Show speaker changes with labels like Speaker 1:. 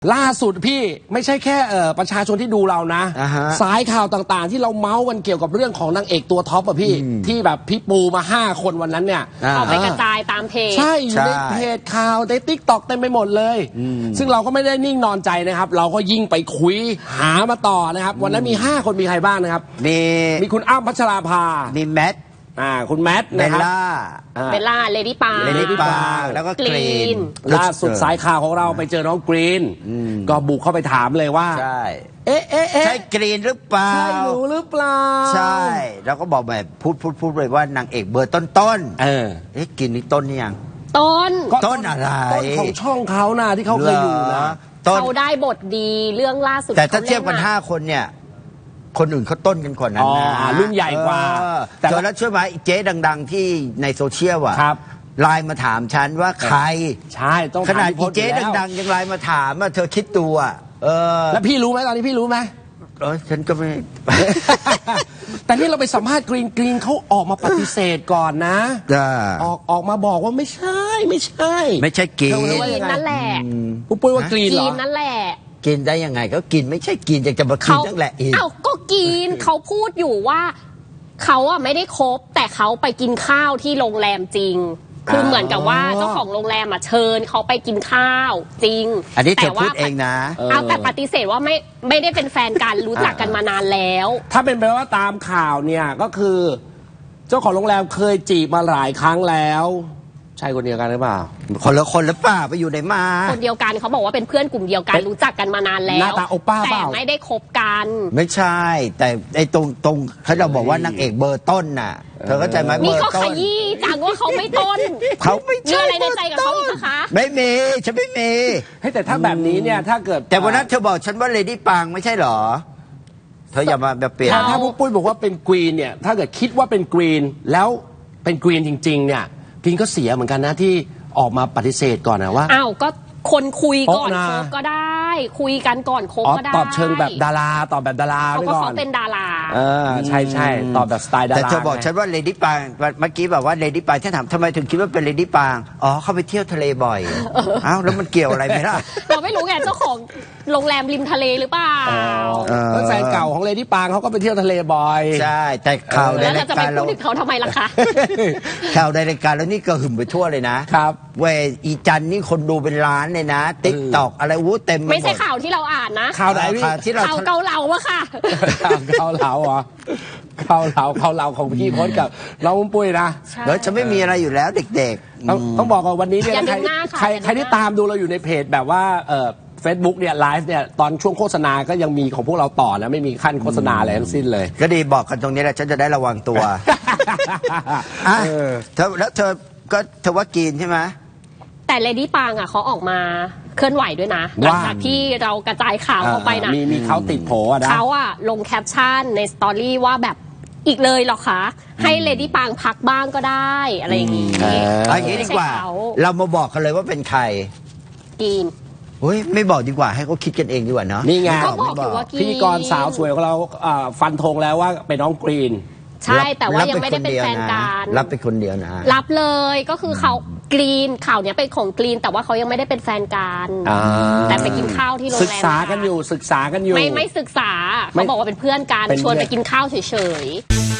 Speaker 1: ล่าสุดพี่ไม่ใช่แค่ประชาชนที่ดูเรานะสายข่าวต่างๆที่เราเมาส์กันเกี่ยวกับเรื่องของนางเอกตัวท็อปอะพี่ที่แบบพี่ปูมา5 คนวันนั้นเนี่ย
Speaker 2: ออกไปกระจายตามเพจ
Speaker 1: ใช่อยู่ในเพจข่าวในติ๊กต็อกเต็มไปหมดเลยซึ่งเราก็ไม่ได้นิ่งนอนใจนะครับเราก็ยิ่งไปคุยหามาต่อนะครับวันนั้นมี5 คนมีใครบ้างนะครับมีคุณอ้ำพัชราภา
Speaker 2: มีแมท
Speaker 1: คุณแมท
Speaker 2: เบลล่า
Speaker 1: เลดี้ปาง
Speaker 2: แล้วก็กรีน
Speaker 1: ล่าสุดสายข่าวของเราไปเจอน้องกรีนก็บุกเข้าไปถามเลยว่า
Speaker 2: ใช่ใช่กรีนหรือเปล่า
Speaker 1: ใช่หนูหรือเปล่า
Speaker 2: ใช่แล้วก็บอกแบบพูดเลยว่านางเอกเบอร์ต้นกรีนนี่ต้นนี่ยังต้นอะไร
Speaker 1: ต้นของช่องเขานะที่เขาเคยอยู่นะ
Speaker 3: เขาได้บทดีเรื่องล่าสุด
Speaker 2: แต่ถ้าเทียบกัน5 คนเนี่ยคนอื่นเขาต้นกันก่อนนั้นนะ
Speaker 1: รุ่นใหญ่กว่า
Speaker 2: แต่แล้วช่วยไหมเจ๊ดังๆที่ในโซเชียลอ่ะไลน์มาถามฉันว่าใคร
Speaker 1: ใช่ต้อง
Speaker 2: ขนาดเจ๊ดังๆยังไลน์มาถามว่าเธอคิดตัว
Speaker 1: แล้วพี่รู้ไหมตอนนี้พี่รู้ไหม
Speaker 2: ฉันก็ไม่
Speaker 1: แต่นี่เราไปสัมภาษณ์กรีนเขาออกมาปฏิเสธก่อนนะออกมาบอกว่าไม่ใช่
Speaker 2: กรีน
Speaker 3: นั่นแหละ
Speaker 1: ปุ๊บปุ้ยว่ากรีนเหรอ
Speaker 3: นั่นแหละ
Speaker 2: กินได้ยังไงก็กินไม่ใช่กินจะมากินนั่นแหละ
Speaker 3: เอ้าก็กินเขาพูดอยู่ว่าเขาอะไม่ได้คบแต่เขาไปกินข้าวที่โรงแรมจริงคือเหมือนกับว่าเจ้าของโรงแรมอะเชิญเขาไปกินข้าวจริง
Speaker 2: อันนี้เธอพูดเองนะ
Speaker 3: แต่ปฏิเสธว่าไม่ได้เป็นแฟนกันรู้จักกันมานานแล้ว
Speaker 1: ถ้าเป็นไปว่าตามข่าวเนี่ยก็คือเจ้าของโรงแรมเคยจีบมาหลายครั้งแล้วใช่คนเดียวกันหรือเปล่า
Speaker 2: คนละคนหรือเปล่าไปอยู่ไหนมา
Speaker 3: คนเดียวกันเขาบอกว่าเป็นเพื่อนกลุ่มเดียวกันรู้จักกันมานานแล้ว
Speaker 1: หน้าตาโอป้า
Speaker 3: แต่ไม่ได้คบกัน
Speaker 2: ไม่ใช่แต่ไอ้ตรงเขาเราบอกว่านางเอกเบอร์ต้นน่ะเธอเข้าใจไหม
Speaker 3: นี่เขาขยี้จังว่าเขาไม่ต้น
Speaker 2: เขาไม่ใช่
Speaker 3: อะไรในใจกับเขาอีกคะ
Speaker 2: ไม่มีฉันไม่มี
Speaker 1: แต่ถ้าแบบนี้เนี่ยถ้าเกิด
Speaker 2: แต่วันนั้นเธอบอกฉันว่าเลดี้ปางไม่ใช่หรอเธออย่ามาแบบเปลี่ยน
Speaker 1: ถ้าพวกปุ้ยบอกว่าเป็นกรีนเนี่ยถ้าเกิดคิดว่าเป็นกรีนแล้วเป็นกรีนจริงๆเนี่ยกรีนก็เสียเหมือนกันนะที่ออกมาปฏิเสธก่อนนะว่า
Speaker 3: อ้าวก็คนคุยก่อนคบก็ได้คุยกันก่อนคบก็ได้
Speaker 1: ตอบเชิงแบบดาราตอบแบบดารา
Speaker 3: เขาก็เขาเป็นดารา
Speaker 1: ใช่ตอบแบบสไตล์ดารา
Speaker 2: แต่เธอบอกฉันว่าเลดี้ปางเมื่อกี้แบบว่าเลดี้ปางฉันถามทำไมถึงคิดว่าเป็นเลดี้ปางเขาไปเที่ยวทะเลบ่อยอ้าวแล้วมันเกี่ยวอะไรไหมล่ะ
Speaker 3: เราไม่รู้ไงเจ้าของโรงแรมริมทะเลหรือเปล่า
Speaker 1: แฟนเก่าของเลดี้ปางเขาก็ไปเที่ยวทะเลบ่อย
Speaker 2: ใช่แต่ข่าวในรายการ
Speaker 3: เราจะไปพูดถึงเขาทำไมล่ะคะ
Speaker 2: ข่าวในรายการแล้วนี่ก็หึ่มไปทั่วเลยนะครับเวอีจันนี่คนดูเป็นล้านเลยนะติ๊กตอกอะไรเต็ม
Speaker 3: ไม่ใช่ข่าวที่เราอ่านนะ
Speaker 1: ข่าวไหน
Speaker 2: ที่เรา
Speaker 3: ข่าวเกาเหลาอะค่ะ
Speaker 1: เกาเหลาเหรอเกาเหลาของพี่พจน์กับน้องปุ้ยนะ
Speaker 2: แล้วจะไม่มีอะไรอยู่แล้วเด็ก
Speaker 1: ๆต้องบอกว่าวันนี้เนี่ยใครที่ตามดูเราอยู่ในเพจแบบว่าFacebook เนี่ยไลฟ์เนี่ยตอนช่วงโฆษณาก็ยังมีของพวกเราต่อนะไม่มีขั้นโฆษณาอะไรทั้งสิ้นเลย
Speaker 2: ก็ดีบอกกันตรงนี้แหละฉันจะได้ระวังตัวแล้วเธอว่ากินใช่ไหม
Speaker 3: แต่เลดี้ปางอ่ะเขาออกมาเคลื่อนไหวด้วยนะหลังจากที่เรากระจายข่าวออกไปนะ
Speaker 1: มีเขาติดโผนะ
Speaker 3: เขาอ่ะลงแคปชั่นในสตอรี่ว่าแบบอีกเลยหรอคะให้เลดี้ปางพักบ้างก็ได้อะไรอย่างงี้
Speaker 2: อย่างนี้ดีกว่าเรามาบอกกันเลยว่าเป็นใคร
Speaker 3: กิน
Speaker 2: ไม่บอกดีกว่าให้เขาคิดกันเองดีกว่าเนาะ
Speaker 1: นี่ไง
Speaker 3: พิ
Speaker 1: ธีกรสาวสวยของเราฟันธงแล้วว่าเป็นน้องกรีน
Speaker 3: ใช่แต่ว่ายังไม่ได้เป็นแฟนกัน
Speaker 2: รับเป็นคนเดียวนะ
Speaker 3: รับเลยก็คือเขากรีนข่าวเนี้ยเป็นของกรีนแต่ว่าเขายังไม่ได้เป็นแฟนกันแต่ไปกินข้าวที่โรงแรม
Speaker 1: ศึกษากันอยู่
Speaker 3: ไม่ศึกษาเขาบอกว่าเป็นเพื่อนกันชวนไปกินข้าวเฉยๆ